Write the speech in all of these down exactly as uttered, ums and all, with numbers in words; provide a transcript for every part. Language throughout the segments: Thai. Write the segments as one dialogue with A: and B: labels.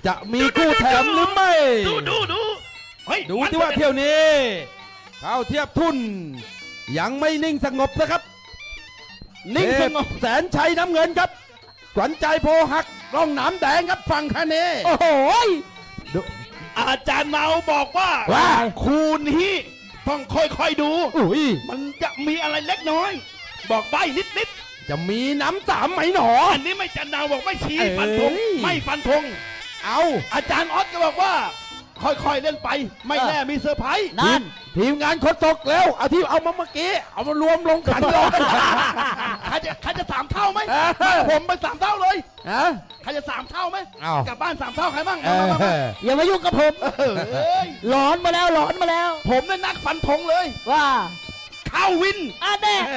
A: จะมีคู่แถมหรือไม่
B: ดูดูดู
A: ดูที่ว่าเที่ยวนี้เข้าเทียบทุนยังไม่นิ่งสงบนะครับนิ่งสงบแสนชัยน้ำเงินครับขวัญใจโพหักร่องหนามแดงครับฝั่งคาเน่
C: โอ้โห
B: อาจารย์เนาบอกว่า
A: ว่า
B: คูณฮีต้องค่อยๆดู
A: อุ้ย
B: มันจะมีอะไรเล็กน้อยบอกใบนิด
A: ๆจะมีน้ำสามไหมหนอ
B: อันนี้ไม่จันเนาบอกไม่ชี้ฟันธงไม่ฟันธง
A: เอา
B: อาจารย์ออสก็บอกว่าค่อยๆเล่นไปไม่แน่มีเซอร์ไพรส์
A: นั่นทีมงานโคตกแล้วเอาที่เอามาเมื่อกี้เอามารวมลงขันเลย
B: ใครจะใครจะสามเท่าไหมผมไปสามเท่าเลยใครจะสามเท่าไหมกลับบ้านสามเท่าใครบ้าง
C: อย่ามายุ่งกับผมหลอนมาแล้วหลอนมาแล้ว
B: ผมเนี่ยนักฟันธงเลย
C: ว่า
B: เข้าวิน
C: อ่ะแน่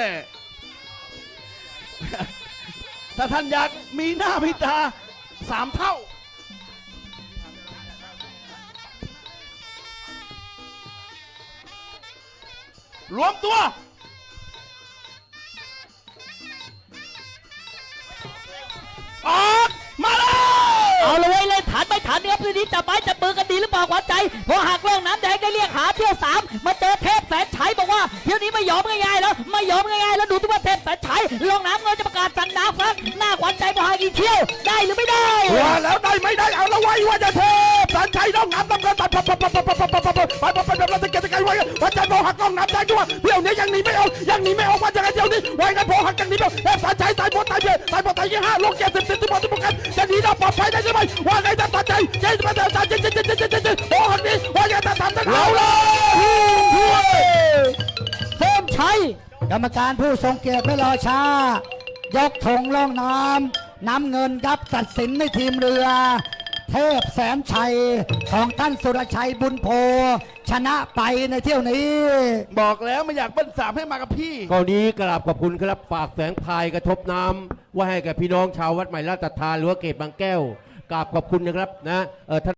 B: ถ้าท่านอยากมีหน้าพิตาสามเท่ารวมตัวออกมาเลย
C: เอาเลยเลยฐานไปฐานเนี้ยพื้นที่จับไม้จับมือกันดีหรือเปล่าขวัญใจพอหักล่องน้ำแดงได้เรียกหาเที่ยวสามมาเจอเทพแสนชัยบอกว่าเที่ยวนี้ไม่ยอมง่ายๆแล้วไม่ยอมง่ายๆแล้วดูที่ว่าเทพแสนชัยล่องน้ำเงินจะประกาศสั่งน้ำฟังหน้าขวัญใจพอหักอีกเที่ยวได้หรือไม่ได้
A: ว่าแล้วได้ไม่ได้เอาละไว้ว่าจะเทพแสนชัยล่องน้ำน้ำเงินตัดปับปับปับปับปับปับปับปับปับปับปับปับปับตะเกียบตะไคร้ไว้ขวัญใจพอหักล่องน้ำแดงด้วยเที่ยวนี้ยังหนีไม่ออกยังหนีไม่ออกว่าจะไงเที่ยวนี้ไว้กันพอหักยังหนีไม่ออกเทพแสนชัยตายหมดตายเบี้ยตายหมดตายยี่ห้าลงเจ็ดสิบสิบที่หมดที่หมดกันจะหนีได้ปลอดภัยได้ใช่ไหมว่าไงจะตัดใจเจ๊จะตัดใจเจ๊เจ๊เจ๊เจ๊เจ๊เจ๊โอ้หักนี้ว่าไงจะทำได้เอาเลย
C: เพิ่มชัย
D: กรรมการผู้ทรงเกียรติไม่รอช้ายกธงล่องน้ำน้ำเงินครับตัดสินในทีมเรือเทพแสนชัยของท่านสุรชัยบุญโพชนะไปในเที่ยวนี้
B: บอกแล้วไม่อยากเบิ้ลสามให้มากับพี่
E: กรณีกราบขอบคุณครับฝากแสงพายกระทบน้ำว่าให้กับพี่น้องชาววัดใหม่ราชทานหรือว่าเกตบางแก้วกราบขอบคุณนะครับนะเออ